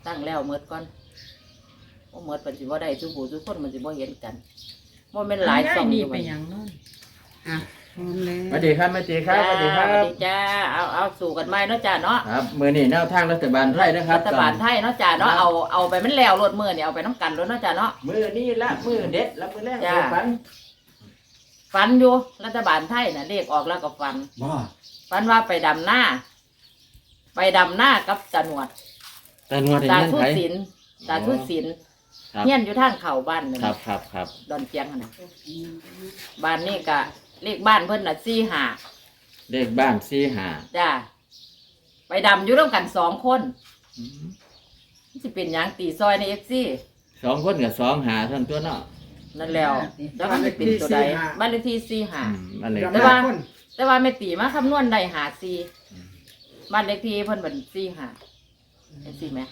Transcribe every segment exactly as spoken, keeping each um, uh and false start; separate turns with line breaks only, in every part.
ตั้งแล้วเมิดก่อนบ่เมิดมันสิบ่ได้ทุกผู้ทุกคนมันสิบ่เห็นกันบ่แม่นหลายช่องอยู่
ไปหยังนั่นอ่ะพร้อมแล้ว
สวัสดีครับแม่ตีครับสวัสดีครั
สวั
บ
สดีจ้าเอาเอาสู่กันใหม่เนาะจ้าเนาะ
ครับมือนี่แนวทางรัฐบาลไทยนะครับ
รัฐบาลไทยเนาะจ้าเนาะเอาเอาไปมันแล้วรถมื้อนี่เอาไปน้ำกันรถเนาะจ้าเนาะ
มือนี่ละมือเด็ดละมือแรก
จ้า
ฝัน
ฝันอยู่รัฐบาลไทยน่ะเลขออกแล้วก็ฝัน
บ่
ฝันว่าไปดำหน้า ไปดำหน้ากับตาหนวด
แต่นวด
ตา
เห็น
ทุ
ไผ
ศิลป์ตาทุศิลป์
ครับ
เฮียนอยู่ทางเข้าบ้านนั่น
ครับครับครับ
ดอนเจียงหั่นน่ะบ้านนี่ก็เลขบ้านเพิ่นน่ะสี่ห้า
เลขบ้านสี่ห้า
จ้าไปดำอยู่ร่วมกันสองคนสิเป็นหยังตีซอยในเอฟซี
สองคนกับสองหาท่านตัวเนาะ
นั่นแล้วแล้วมันสิเป็นตัวใดบ้านเลขที่สี่ห้า
อืมอันนี้
แต่ว่า แต่ว่าไม่ตีมาคำนวณได้หาสี่บ้านเลขที่เพิ่นเป็นสี่ห้าเห็นสิไหม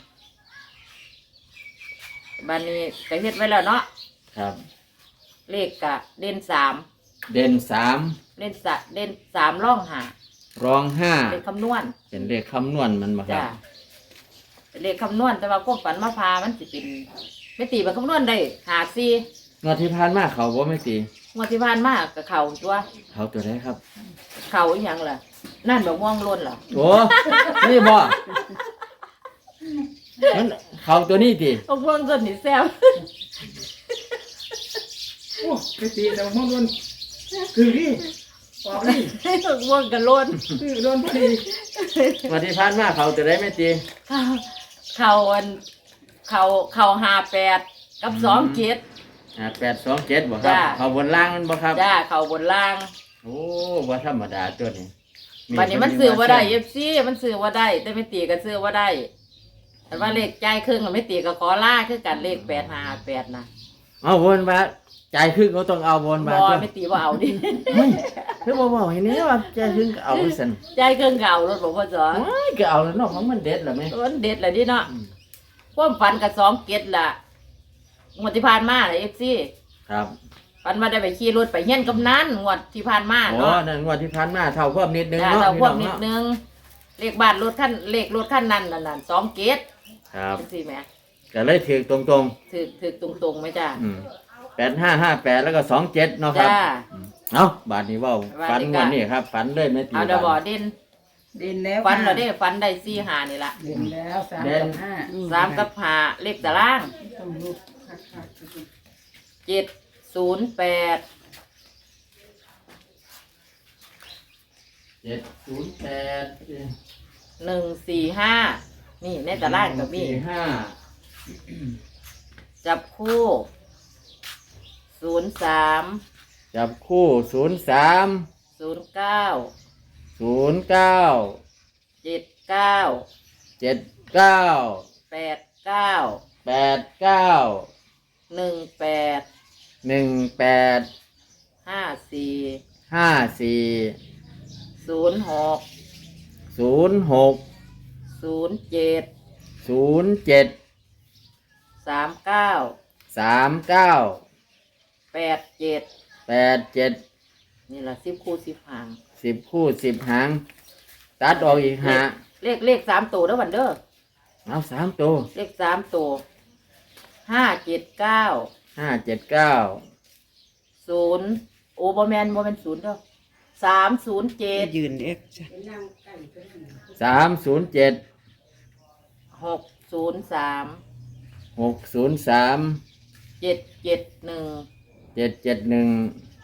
บ้านนี้ก็เฮ็ดไว้แล้วเนาะ
ครับ
เลขกะเด่นสาม
เด่นสาม
เด่นสะเด่นสามร่องหาร
องห้า
เป็นคำนวณ
เป็นเลขคำนวณมันมาครั
จ้า
บ
เป็นเลขคำนวณแต่ว่าพวกฝันมาพามันสิเป็นไม่ตีมันคำนวณได้หาสี่
งวดที่ผ่านมาเขาบ่ไม่ตี
งวดที่ผ่านมากับเขาตัว
เขาตัวไหนครับ
เขาอหยังล่ะ นั่นแบบม่วงล้นเหรอ
โอ้นี่บ่มันเขาตัวนี้ตี
พวกม่วงล้นนี่แซ่บ
โอ้ไปตีเรามองโดนคือนี่ออกนี่
พวกม่วงกันล้น
คือโดนพอดี
งวดที่ผ่านมาเขาตัวไหนไม่ตี
เขาเขาอันเขาเขาหาแปดกับสองเจ็ด
อ่าแปดสองเจ็ดบ่ครับ
จ้า
เขาบนล่างมันบ่ครับ
จ้าเขาบนล่าง
โอ้ว่าธรรมดาตัวนี้
วันนี้มันซื้อว่าได้เอฟซีมันซื้อว่าได้ แต่ไม่ตีก็ซื้อว่าได้ แต่ว่าเลขใจายครึ่งกับไม่ตีก็ขอล่าคือกันเลขแปดหาแปดนะ
เอาวนมาใจายครึ่งเขาต้องเอาวน
บ
มา
อ
ตัว
ไม่ตีว่าเอาดิ
เฮ้ยคือบ่บอกเห็นนี้ว่าใจายครึ่งก็เอาไปสั่น
ใจายครึ่งเก่ารถบอกว่าจอ
ว้ายก็เอาแล้วเนาะของมันเด็ดเหรอแม่
มันเด็ดเลยดิเนาะ
อืม
ความฝันกับสองเกตล่ะงวดที่ผ่านมาเลยเอฟซี
ครับ
ฝันว่าได้ไปขี่รถไปเฮียนกำนันงวดที่ผ่านมา
โอ้
เนาะ
นั่นงวดที่ผ่านมาเท่าเพิ่มนิดนึง
จ้า
เนาะ
เรา
พี่
พว
น้
ก
อง
นิด
เนาะ
นึงเลขบ้านรถขั้นเลขรถขั้นนั้นนั่นน่ะสองเกต
ครับ
เป็นสี่แหม่
ก็เลยถือตรง
ถือถือตรงๆไหมจ้า
ๆอืมแปดห้าห้าแปดแล้วก็สองเจ็ดเนาะครับ
จ้า
อืมเอาบาทนี้เว่า
บาท
ฝัน
นี้ก็
วันนี้ครับฝันเลยไม่ตี
เอาเดยวบอเด่น
เด่นแล้ว
ฝันเราได้ฝันได้สี่หานี่ละ
เด่นแล้วสามกับห้า
สามกับหาเลขตาราง
ต้องรูปคัก
เจ็ดศูนย์แปด
เจ็ดศูนย์แปด
หนึ่งสี่ห้านี่ในตารางก็มี
สี่ห้า
จับคู่ศูนย์สาม
จับคู่ศูนย์สาม
ศูนย์เก้า
ศูนย์เก้า
เจ็ดเก้า
เจ็ดเก้า
แปดเก้า
แปดเก้า
หนึ่งแปด
หนึ่งแปด
ห้าสี่
ห้าสี่
ศูนย์หก
ศูนย์หก
ศูนย์เจ็ด
ศูนย์เจ็ด
สามเก้า
สามเก้า
แปดเจ็ด
แปดเจ็ด
นี่แหละสิบคู่สิบหาง
สิบคู่สิบหาง ตัดออกอีกหา
เลขเลขสามตัวเด้อวันเด้อ
เอาสามตัว
เลขสามตัวห้าเจ็ดเก้า
ห้าเจ็ดเก้า
ศูนย์โอ้บอแมนบอแมนศูนย์เด้อสามศูนย์เจ็ด
ยืนเอ็กจ้ะ
สามศูนย์เจ็ด
หกศูนย์สาม
หกศูนย์สาม
เจ็ดเจ็ดหนึ่ง
เจ็ดเจ็ดหนึ่ง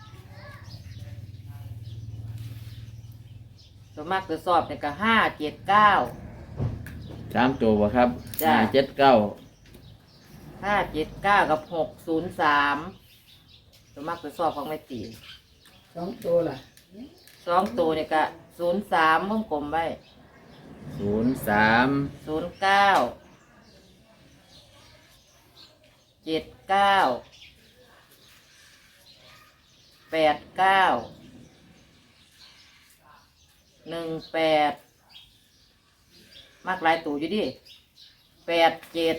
ส่วนมากจะสอบเนี่ยก็ห้าเจ็ดเก้า
สามตัวบ่ครับ
จ้ะ
ห้าเจ็ดเก้า
ห้าเจ็ดเก้ากับหกศูนย์สามส่วนมากจะสอบของไม่ตี
สองตัวล่ะ
สองตัวเนี่ยก็ศูนย์สามวงกลมไว้
ศูนย์สาม
ศูนย์เก้าเจ็ดเก้าแปดเก้าหนึ่งแปดมากหลายตัวอยู่ดิแปดเจ็ด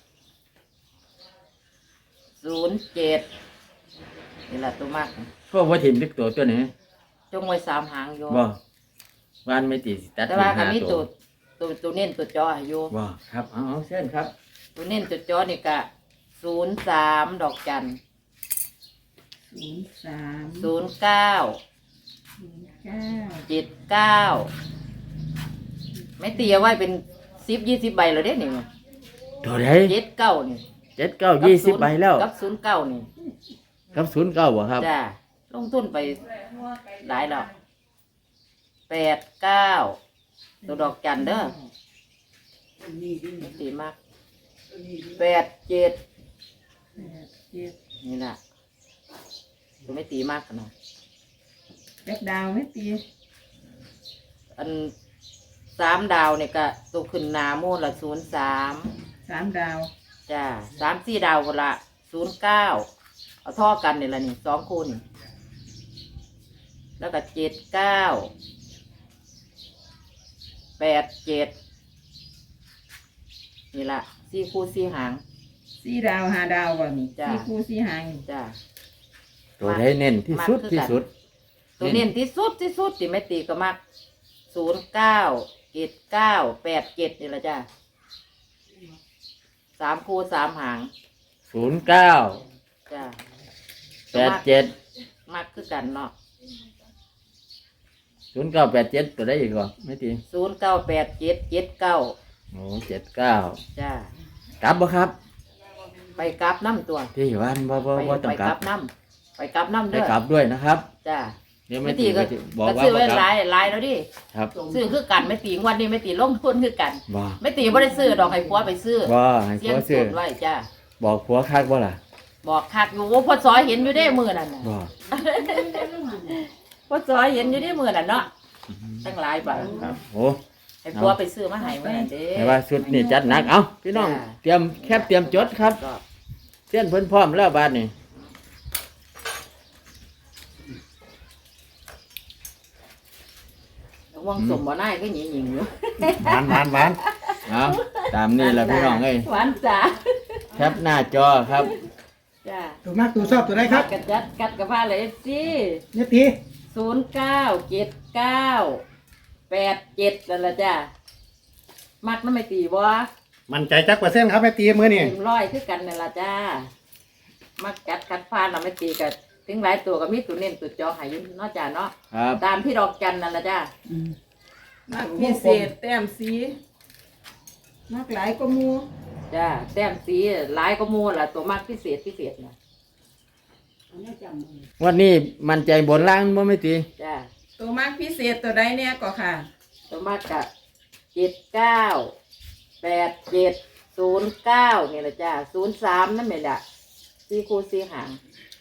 ศูนย์เจ็ดนี่แหละตัวมาก
พวกว่าถิ่มลึกตัวตัวนี้
จงไว้สามหางโย
บ่วานไม่ตีสิตัด
แต่ว่า
ห้
ก็มี
ตั
ตัว วตัวตัวเน้นตัวจอให้โย
บ่ครับเอาเอาเส้นครับ
ตัวเน้นจุดจอนี่กะศูนย์สามดอกจัน
ศูนย์สาม
ศูนย์เก้า
ศูนย์เก้า
เจ็ดเก้าไม่ตีเอาไว้เป็นสิบยี่สิบใบแล้วเด้นี่
ตัวใด
เจ็ดเก้านี่
เจ็ดเก้ายี่สิบใบแล้ว
กับศูนย์เก้านี่
กับศูนย์เก้าบ่ครับ
จ้าลงทุนไปหลายดอกแปดเก้าตัวดอกจันเด้อไม่ตีมากแปดเจ็ด
แปดเจ็ด
นี่แหละตัวไม่ตีมากกันนะ
แบกดาวไม่ตี
อันสามดาวเนี่ยก็ตัวขึ้นหนาโมดละศูนย์สาม
สามดาว
จ้าสามสี่ดาวคนละศูนย์เก้าเอาท่อกันเนี่ยละนี่สองคูณแล้วก็เจ็ดเก้าแปดเจ็ดนี่ละสี่คู่สี่หาง
สี่ดาวห้าดาวบ่นี่
จ้ะ
สี่คู่สี่หางนี่
จ้า
ตัวใดเน้นที่สุดที่สุด
ตัวเน้นที่สุดที่สุดที่ไม่ตีก็มักศูนย์เก้าเจ็ดเก้าแปดเจ็ดนี่ละจ้าสามคู่สามหาง
ศูนย์เก้า
จ้า
แปดเจ็ด
มักคือกันเนาะ
ศูนย์เก้าแปดเจ็ดตัวได้อีกบ่ไม่ตี
ศูนย์เก้าแปดเจ็ดเจ็ดเก้า
โอ้เจ็ดเก้า
จ้าก
ลับบ่ครับ
ไปกลับน้ำตัว
ที่วันบ่บ่
ไป
บ่ต้อ
ไป
งก
ก
ลั
ลั
บบ
น้ำไปกลับน้ำ
ไป
เด้อก
ลับด้วยนะครับ
จ้า
เดี๋ยว
ไม่
ไม่
ตี
ตี
ก็
ก็จะบอก
ก็
ว่า
ซื้อ
บ่
ไว้
กลั
หลา
บ
ยหลายแล้วดิ
ครับ
ซื้อคือกันไม่ตีงวันนี้ไม่ตีลงทุนคือกัน
บ่
ไม่ตีไม่ได้ซื้อดอกให้ผัวไปซื้อ
บ่ให้
เสี
ผั
ยง
วซื้อ
สุดไว้จ้า
บอกผัวคักบ่ล่ะ
บอกคักอยู่ว่าพ่อซอยเห็นอยู่ได้มือนั่นน่ะ
บ่
พ่อซอยเห็นอยู่ได้มือนั่นเนาะตั้งหลายบาท
ครับโอ้
ให้ผัวไปซื้อมาให้ไว้นั่นเด้
แต่ว่าชุดนี่จัดหนักเอ้าพี่น้อง
จ้า
เตรียมแคบเตรียมจดครับ
ก็
เส้นเพิ่นพร้อมแล้วบาดนี้
ว่างสมบ่ได้ก็หญิงหญิงอยู่
หวานหวานหวานเอาตามนี่แหละพี่น้องเอ้ย
หวานจ๋า
แคปหน้าจอครับ
จ้า
ตัวมากตัวชอบตัวใดครับ
กัดจัดกัดกับผ้าเลยสิ
เนี่ยตี
ศูนย์เก้าเจ็ดเก้าแปดเจ็ดนั่นละจ้ามักน้ำไม่ตีบ่
มันใจจักเปอร์เซ็นต์ครับแม่ตีมือนี่
เต็มร้อยคือกันนั่นละจ้ามักกัดกัดผ้าน้ำไม่ตีกันถึงหลายตัวก็มีตัวเน้นตัวจอใหายุเนาะจ้าเนาะ
ครับ
ตามที่ดอกจันนั่นละจ้า
มักพิเศษแต้มสีมักหลายก็มู
จ้าแต้มสีหลายก็มูล่ะตัวมักพิเศษพิเศษนะ
วันนี้มันใจบนล่างบ่ไม่ตี
จ้า
ตัวมักพิเศษตัวใดเนี่ยก็ค่ะ
ตัวมักกะเจ็ดเก้าแปดเจ็ดศูนย์เก้านี่ละจ้าศูนย์สามนั่นไม่ละสี่คู่สี่หาง